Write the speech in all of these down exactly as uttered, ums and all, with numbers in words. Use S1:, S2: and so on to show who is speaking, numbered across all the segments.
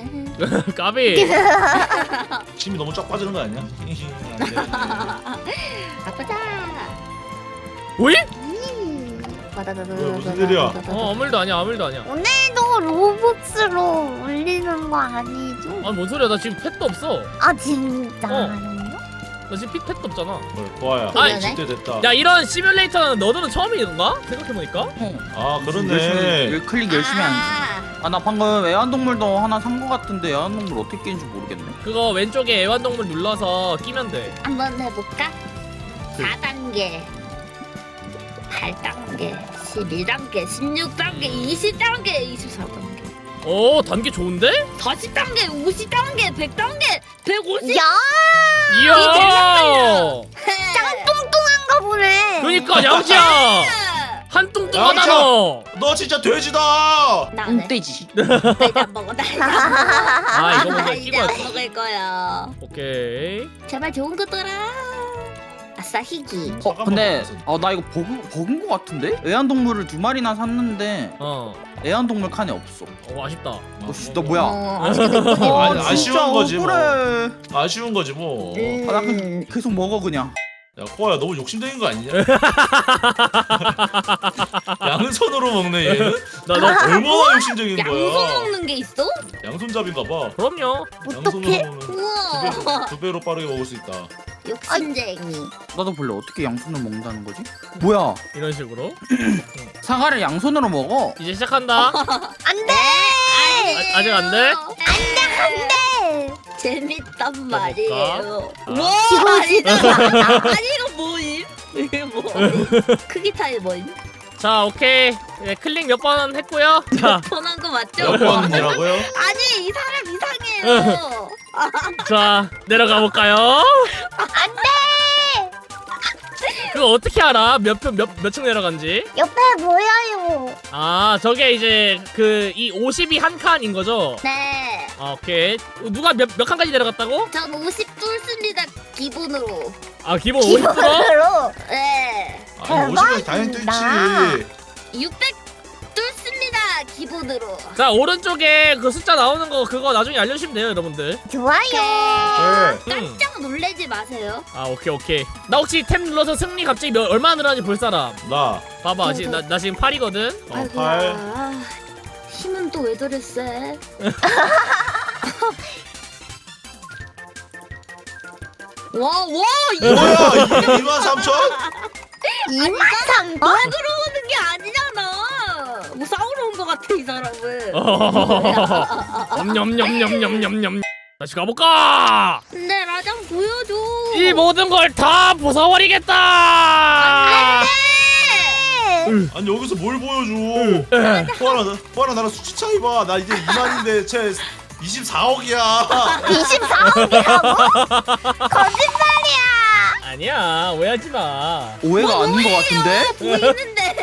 S1: 까비.
S2: 침이 너무 쫙 빠지는 거 아니야? 안 돼.
S3: 바꾸자.
S1: 오이?
S2: 뭐야, 무슨 일이야?
S1: 어 아무 일도 아니야 아무 일도 아니야.
S4: 오늘도 로벅스로 올리는 거 아니죠?
S1: 아니 뭔 소리야 나 지금 펫도 없어.
S4: 아 진짜요?
S1: 나 지금 핏 펫도 없잖아.
S2: 뭘, 고아야.
S1: 아이,
S2: 집대 됐다.
S1: 야 이런 시뮬레이터는 너들은 처음인가? 생각해보니까.
S2: 아
S5: 열심히,
S2: 그렇네.
S5: 열- 클릭 열심히 하는
S3: 아,
S5: 아나 방금 애완동물도 하나 산 거 같은데 애완동물 어떻게 끼는지 모르겠네.
S1: 그거 왼쪽에 애완동물 눌러서 끼면 돼.
S3: 한번 해볼까? 사 단계, 팔 단계, 십이 단계, 십육 단계, 이십 단계, 이십사 단계,
S1: 오 단계 좋은데?
S3: 사십 단계, 오십 단계, 백 단계, 백오십.
S4: 야
S1: 이야.
S3: 짱
S4: 뚱뚱한가 보네.
S1: 그러니까 양지야. 한 뚱뚱하다
S2: 양지야.
S1: 너.
S2: 너 진짜 돼지다.
S3: 나네.
S5: 떼지.
S3: 나 이제 안 먹어. 나 이제 안 먹어.
S1: 아 이거
S3: 나
S1: 먼저
S3: 이제
S1: 끼고
S3: 안
S1: 왔어.
S3: 먹을 거야.
S1: 오케이.
S3: 제발 좋은 거 떠라. 아싸 희귀.
S5: 어 근데 어 나 이거 버그 버그인 거 같은데? 애완동물을 두 마리나 샀는데
S1: 어.
S5: 애완동물 칸이 없어.
S1: 어 아쉽다.
S5: 어, 씨, 너 뭐야?
S3: 어, 아쉽게 됐군요.
S2: 어,
S5: 아,
S2: 아니, 아쉬운
S5: 진짜
S2: 거지, 뭐.
S5: 억울해.
S2: 아쉬운 거지 뭐.
S3: 음.
S5: 아, 나 그, 계속 먹어 그냥.
S2: 야 코아야 너무 욕심쟁인 거 아니냐? 양손으로 먹네 얘는.
S1: 나 너.
S2: 얼마나 욕심쟁인
S3: 양손
S2: 거야?
S3: 먹는 게 있어?
S2: 양손잡인가 봐.
S1: 그럼요.
S2: 양손으로
S4: 어떡해?
S2: 먹으면 두
S3: 우와.
S2: 배로, 두 배로 빠르게 먹을 수 있다.
S3: 욕심쟁이.
S5: 나도 볼래. 어떻게 양손을 먹는다는 거지? 뭐야?
S1: 이런 식으로.
S5: 사과를 양손으로 먹어?
S1: 이제 시작한다.
S4: 안돼.
S1: 아, 아직 안 돼?
S3: 안돼. 재밌단 말이에요.
S1: 아.
S3: 와 아니잖아. 아니 이거 뭐임? 이게 뭐? 크기 차이 뭐임?
S1: 자 오케이. 예, 클릭 몇 번 했고요. 자,
S3: 폰한 거 맞죠?
S2: 몇 번이라고요?
S3: 아니 이 사람 이상해요.
S1: 자 내려가 볼까요?
S4: 안돼.
S1: 그거 어떻게 알아? 몇몇몇 층 내려간지?
S4: 옆에 보여요.
S1: 아 저게 이제 그 이 오십이 한 칸인 거죠?
S3: 네.
S1: 아 오케이. 누가 몇 몇 칸까지 내려갔다고?
S3: 전 오십 뚫습니다 기본으로.
S1: 아 기본 오십 들어?
S4: 기본으로.
S3: 네.
S2: 아니 오십까지 당연히 뚫지.
S3: 육백 뚫습니다 기본으로.
S1: 자 오른쪽에 그 숫자 나오는 거 그거 나중에 알려주시면 돼요 여러분들.
S4: 좋아요.
S2: 네.
S1: 음.
S3: 깜짝 놀래지 마세요.
S1: 아 오케이 오케이. 나 혹시 템 눌러서 승리 갑자기 몇, 얼마나 늘어나는지 볼 사람.
S2: 나.
S1: 봐봐 지금 나, 나 지금 팔이거든.
S2: 어,
S3: 아이고야.
S2: 팔.
S3: 힘은 또 왜 저랬어? 와, 와, 이거
S2: 뭐야? 이만 삼천?
S4: 이만 삼천.
S3: 먹으러 오는 게 아니잖아. 뭐 싸우러 온 것 같아 이 사람은.
S1: 엄냠냠냠냠냠냠. 다시 가볼까?
S3: 근데 라장 보여줘.
S1: 이 모든 걸 다 부숴버리겠다.
S2: 아니 여기서 뭘 보여줘? 코아나, 코아나 나랑 수치 차이 봐. 나 이제 이만인데 쟤 이십사억이야.
S4: 이십사억이라고? 거짓말이야.
S1: 아니야 오해하지 마.
S5: 오해가 아닌 것 같은데?
S3: 보이는데.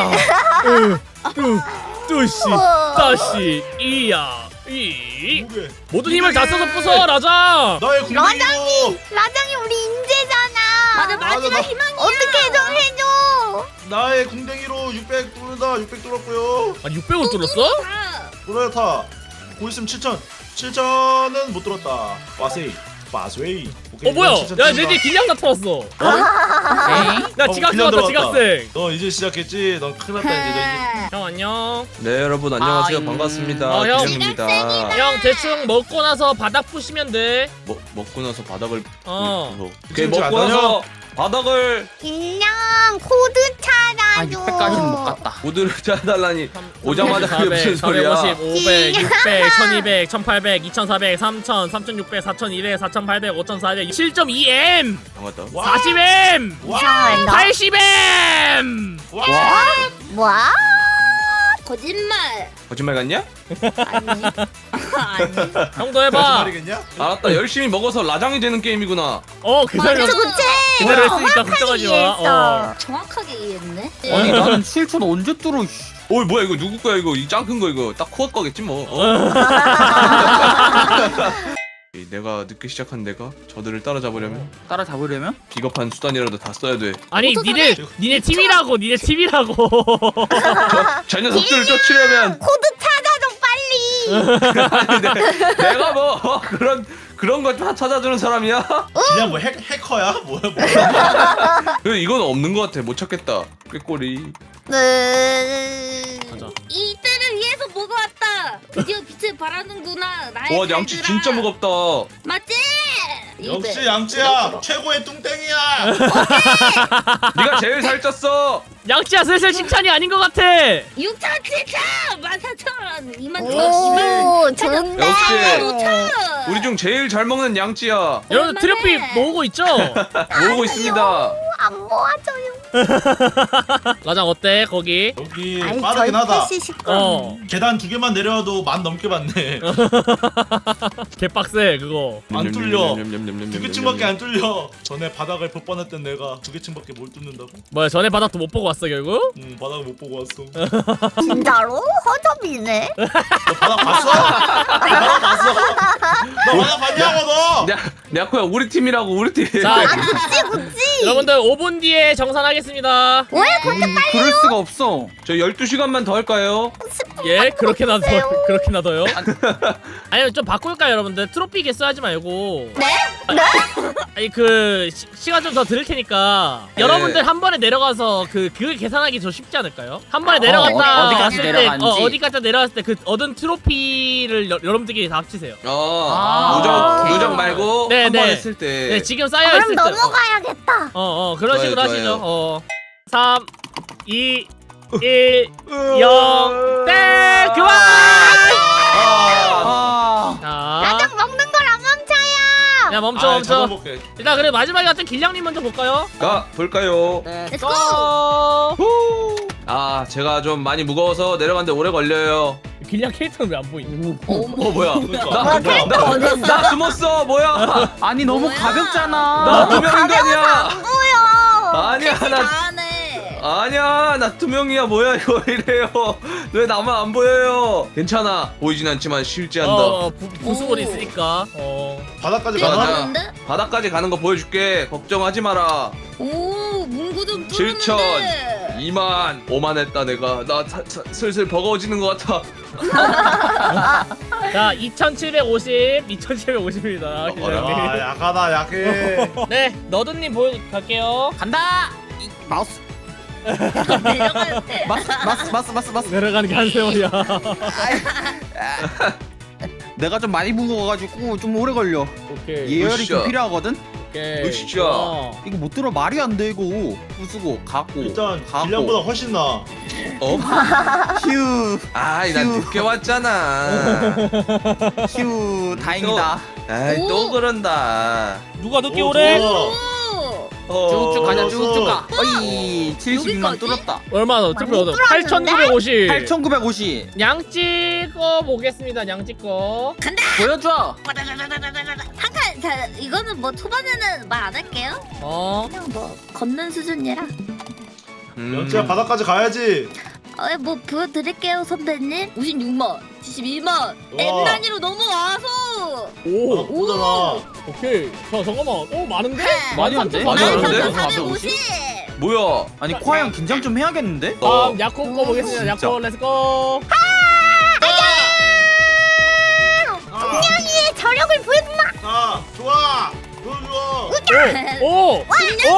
S1: 뚜시
S4: 우와.
S1: 따시 이야 이
S2: 뭐게?
S1: 모든 힘을 다 써서 부숴 라장.
S2: 나의 궁뎅이로.
S4: 라장이 우리 인재잖아.
S3: 맞아
S2: 맞아,
S3: 마지막
S2: 나-
S3: 희망이야.
S4: 어떻게 좀 해줘.
S2: 나의 궁뎅이로 육백 뚫는다. 육백 뚫었고요.
S1: 아니 육백을 뚫었어?
S3: 다.
S2: 뚫어야타. 곧 있으면 칠천. 칠천은 못 뚫었다. 와세이. 마스웨이.
S1: 어 뭐야? 야 내 뒤에 길냥 나타났어. 어? 야
S2: 어,
S1: 지각생
S2: 길냥
S1: 왔다
S2: 들어왔다.
S1: 지각생.
S2: 너 이제 시작했지? 넌 큰일 났다 이제. 너 이제.
S1: 형 안녕.
S6: 네 여러분 안녕하세요.
S5: 아잉.
S6: 반갑습니다.
S1: 어, 형.
S6: 기령입니다.
S1: 형 대충 먹고 나서 바닥 푸시면 돼.
S6: 먹 먹고 나서 바닥을
S1: 어.
S6: 뭐,
S2: 지금
S6: 오케이, 먹고
S2: 안
S6: 나서 바닥을
S4: 길냥 코드
S5: 아
S4: 찾아줘.
S5: 육백까지는 못 갔다.
S6: 모드를 짜달라니 오자마자 그게 무슨 소리야?
S1: 사백오십, 오백, 육백, 천이백, 천팔백, 이천사백, 삼천, 삼천육백, 사천이백, 사천팔백, 오천사백, 칠 점 이 엠,
S6: 반갑다.
S2: 와.
S1: 사십 엠,
S4: 이상하다.
S1: 팔십 엠.
S2: 와.
S4: 뭐야?
S3: 거짓말.
S6: 거짓말 같냐?
S3: 아니. 아니.
S1: 형도 해봐.
S2: 거짓말이겠냐?
S6: 알았다. 열심히 먹어서 라장이 되는 게임이구나.
S1: 어, 그
S3: 맞아,
S1: 설명
S4: 그치 그치.
S1: 그대로 했으니까 걱정하지 마. 어.
S4: 이해했어.
S3: 정확하게 이해했네.
S5: 아니 나는 칠천 언제 뚫어? 씨.
S6: 어이 뭐야 이거 누구 거야 이거 이 짱 큰 거 이거 딱 코어 거겠지 뭐. 어? 이 내가 늦게 시작한 내가 저들을 따라잡으려면
S5: 따라 잡으려면?
S6: 비겁한 수단이라도 다 써야 돼.
S1: 아니, 니네 니네 팀이라고, 니네 팀이라고.
S6: 저 녀석들을 쫓으려면
S4: 코드 찾아줘 빨리.
S6: 아니, 내, 내가 뭐 어, 그런 그런 거 다 찾아주는 사람이야?
S2: 그냥 뭐 핵, 해커야? 뭐야 뭐야?
S6: 그 이건 없는 것 같아. 못 찾겠다. 꾀꼬리.
S4: 네.
S1: 가자.
S3: 이때를 위해서 보고 왔다. 드디어 빛을 발하는구나. 나의
S6: 와 양치
S3: 칼들아.
S6: 진짜 무겁다.
S3: 맞지?
S2: 역시
S3: 이백.
S2: 양치야 최고의 뚱땡이야.
S6: 네가 제일 살쪘어.
S1: 양치야 슬슬 칭찬이 아닌 것 같아.
S3: 육천, 칠천, 만 사천 원, 이만 천, 이만
S4: 오 좋은데.
S6: 역시.
S3: 오천.
S6: 우리 중 제일 잘 먹는 양치야.
S1: 여러분 트로피 모으고 있죠?
S6: 모으고 있습니다.
S4: 안 모아줘요.
S1: 라장 어때 거기?
S2: 여기
S4: 아이
S2: 빠르긴 하다.
S4: 시식권.
S1: 어,
S2: 계단 두 개만 내려와도 만 넘게 받네.
S1: 개빡세 그거.
S2: 안 뚫려. 두
S6: 두
S2: 개층밖에 안 뚫려. 전에 바닥을 볼 뻔했던 내가 두 개층밖에 못 뚫는다고?
S1: 뭐야 전에 바닥도 못 보고 왔어 결국?
S2: 응 바닥을 못 보고 왔어.
S4: 진짜로? 허접이네.
S2: 너 바닥 봤어? 너 바닥 봤어? 너 바닥 봤냐고 너?
S6: 야코야 우리 팀이라고 우리 팀.
S1: 자,
S4: 그치 그치.
S1: 여러분들 오 분 뒤에 정산하겠습니다.
S4: 왜 그렇게
S5: 음, 그럴 수가 없어.
S6: 저 열두 시간만 더 할까요?
S1: 예, 그렇게 나더
S4: 없어요.
S1: 그렇게 나더요? 아니면 좀 바꿀까요, 여러분들? 트로피 개수 하지 말고.
S4: 네? 네?
S1: 아니 그 시, 시간 좀 더 드릴 테니까
S6: 네.
S1: 여러분들 한 번에 내려가서 그 그 계산하기 더 쉽지 않을까요? 한 번에
S5: 어,
S1: 내려갔다
S5: 어디까지
S1: 왔을 때
S5: 내려갔는지.
S1: 어, 어디까지 내려갔을 때 그 얻은 트로피를 여, 여러분들끼리 다 합치세요.
S6: 어
S5: 아,
S6: 누적
S5: 오케이.
S6: 누적 말고
S1: 네,
S6: 한 번
S1: 네.
S6: 했을 때.
S1: 네, 지금 쌓여
S4: 그럼
S1: 있을 때.
S4: 넘어가야겠다.
S1: 어, 어, 그런
S6: 좋아요,
S1: 식으로
S6: 좋아요.
S1: 하시죠. 어. 삼, 이, 일, 영, 땡! 그만!
S6: 아.
S5: 아.
S1: 자,
S4: 라장 먹는 걸 안 멈춰요.
S1: 야 멈춰
S2: 아,
S1: 멈춰.
S2: 잡아볼게.
S1: 일단 그래 마지막에 같은 길냥님 먼저 볼까요?
S6: 가 볼까요?
S1: 네,
S3: Let's
S1: 고!
S6: 후. 아 제가 좀 많이 무거워서 내려가는데 오래 걸려요.
S1: 길냥 캐릭터는 왜 안 보이니?
S6: 어 뭐야?
S2: 그러니까.
S6: 나,
S2: 뭐야,
S6: 나,
S2: 뭐야.
S6: 나, 나 숨었어 뭐야?
S5: 아니 너무
S3: 뭐야?
S5: 가볍잖아.
S6: 나 투명인간이야.
S4: 안 보여.
S6: 아니야 나
S3: 다하네.
S6: 아니야 나 투명이야 뭐야 이거 이래요. 왜 나만 안 보여요? 괜찮아 보이진 않지만 실제한다.
S1: 어, 어 부, 부수골이
S3: 오.
S1: 있으니까. 어.
S2: 바닥까지
S6: 맞아.
S2: 가나?
S3: 뛰어갔는데?
S6: 바닥까지 가는 거 보여줄게. 걱정하지 마라.
S3: 오, 문구 좀
S6: 칠천.
S3: 뚫었는데.
S6: 이만 오만 했다 내가. 나 사, 사, 슬슬 버거워지는 것 같아.
S1: 자, 이천칠백오십, 이천칠백오십입니다.
S2: 아 약하다 약해.
S1: 네, 너드님 보여 갈게요.
S5: 간다. 이, 마우스.
S3: 내려갈 때.
S5: 마스 마스 마스 마스 마스.
S1: 내려가는 게 한 세월이야.
S5: 내가 좀 많이 무거워가지고 좀 오래 걸려.
S1: 오케이.
S5: 예열이
S6: 으쌰.
S5: 좀 필요하거든.
S1: 오케이.
S6: 으쌰.
S1: 어.
S5: 이거 못 들어 말이 안 돼 이거. 부수고 가고.
S2: 일단
S5: 가고.
S2: 길량보다 훨씬 나.
S6: 어?
S5: 휴
S6: 아이 난
S5: 휴.
S6: 늦게 왔잖아.
S5: 휴 다행이다.
S6: 아이
S3: 오.
S6: 또 그런다.
S1: 누가 늦게
S2: 오,
S1: 오래?
S2: 좋아.
S3: 오.
S6: 어.
S5: 쭉쭉 가자
S2: 어서.
S5: 쭉쭉 가. 어이 칠십이만
S3: 여기까지?
S5: 뚫었다.
S1: 얼마나 투표 얻어?
S4: 뚫었는데?
S1: 팔천구백오십.
S5: 팔천구백오십.
S1: 양 찍어 보겠습니다. 양 찍어.
S3: 간다.
S5: 보여줘.
S3: 잠깐, 자 이거는 뭐 초반에는 말 안 할게요.
S1: 어.
S3: 그냥 뭐 걷는 수준이라.
S6: 음.
S2: 연지야 바닥까지 가야지.
S3: 어, 뭐 보여드릴게요 선배님. 오십육만, 칠십일만, M 단위로 넘어와서.
S1: 오.
S2: 아, 오잖아.
S1: 오케이. 자 잠깐만. 오 많은데?
S5: 많이 안 돼?
S6: 많이 안 돼?
S3: 사백오십.
S6: 뭐야?
S5: 아니 코아 형 긴장 좀 해야겠는데?
S1: 다음 야코 거 보겠습니다.
S6: 진짜.
S1: 야코 렛츠고.
S4: 분명히 저력을 보여주마.
S2: 아 좋아. 좋아 좋아.
S1: 오. 오. 오.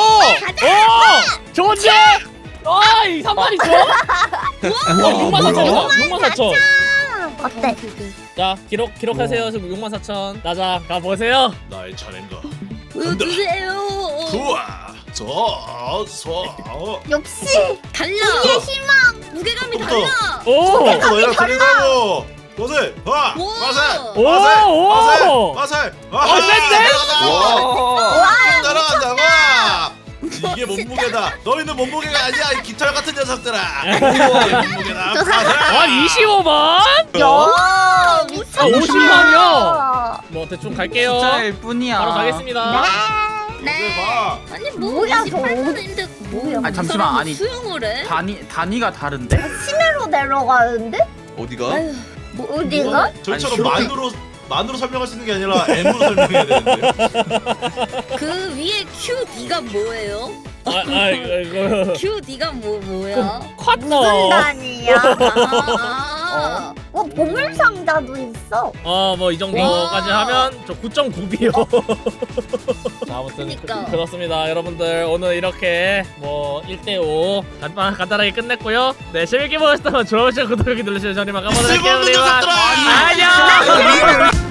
S1: 오. 좋은데? 아이 삼만이 좋아? 와 육만 사천이다. 육만 사천.
S4: 어때?
S1: 자 기록 기록하세요. 지금 육만 사천. 나자 가 보세요.
S2: 나의 차례인가.
S3: 보여주세요.
S2: 좋아. 저서
S4: 역시
S3: 달라.
S4: 우리의 희망.
S3: 무게감이
S2: 또,
S3: 달라.
S1: 오.
S2: 너희랑 틀리다고. 거세. 와.
S3: 오.
S2: 마살.
S1: 오,
S2: 마살.
S1: 오.
S2: 마살. 마살.
S1: 어, 센데?
S6: 와.
S2: 따라간다고. 이게 몸무게다. 너희는 몸무게가 아니야. 이 깃털 같은 녀석들아. 이게 몸무게다. 마살.
S1: 아 이십오만?
S4: 야, 미쳤다.
S1: 아, 오십만이요? 뭐 대충 갈게요.
S5: 숫자일 뿐이야.
S1: 바로 가겠습니다.
S3: 네.
S2: 봐.
S3: 아니 뭐
S4: 뭐야,
S3: 이십팔만인데 뭐야?
S5: 아니, 잠시만, 아니.
S3: 수영을 해?
S5: 단위 단위가 다른데?
S4: 시내로 내려가는데?
S6: 어디가?
S3: 아유, 뭐
S4: 어디가?
S2: 저희처럼
S5: 아니,
S2: 만으로 만으로 설명할 수 있는 게 아니라 M으로 설명해야 되는데.
S3: 그 위에 큐 D가 뭐예요?
S1: 아, 아 이거
S3: 큐 D가 뭐 뭐야?
S4: 무슨
S1: 쿼터.
S4: 단이야?
S3: 아,
S4: 어, 보물 상자도 있어.
S1: 어뭐 이 정도까지
S3: 와.
S1: 하면 저 구 점 구 비요. 아무튼
S3: 그니까.
S1: 그, 그렇습니다. 여러분들 오늘 이렇게 뭐 일 대 오 간단 간단하게 끝냈고요. 네 재밌게 보셨다면 좋아요 구독하기 눌러주시면 저희만 가보도록 할게요.
S2: 쓸모없는
S1: 우리
S2: 녀석들아!
S1: 안녕.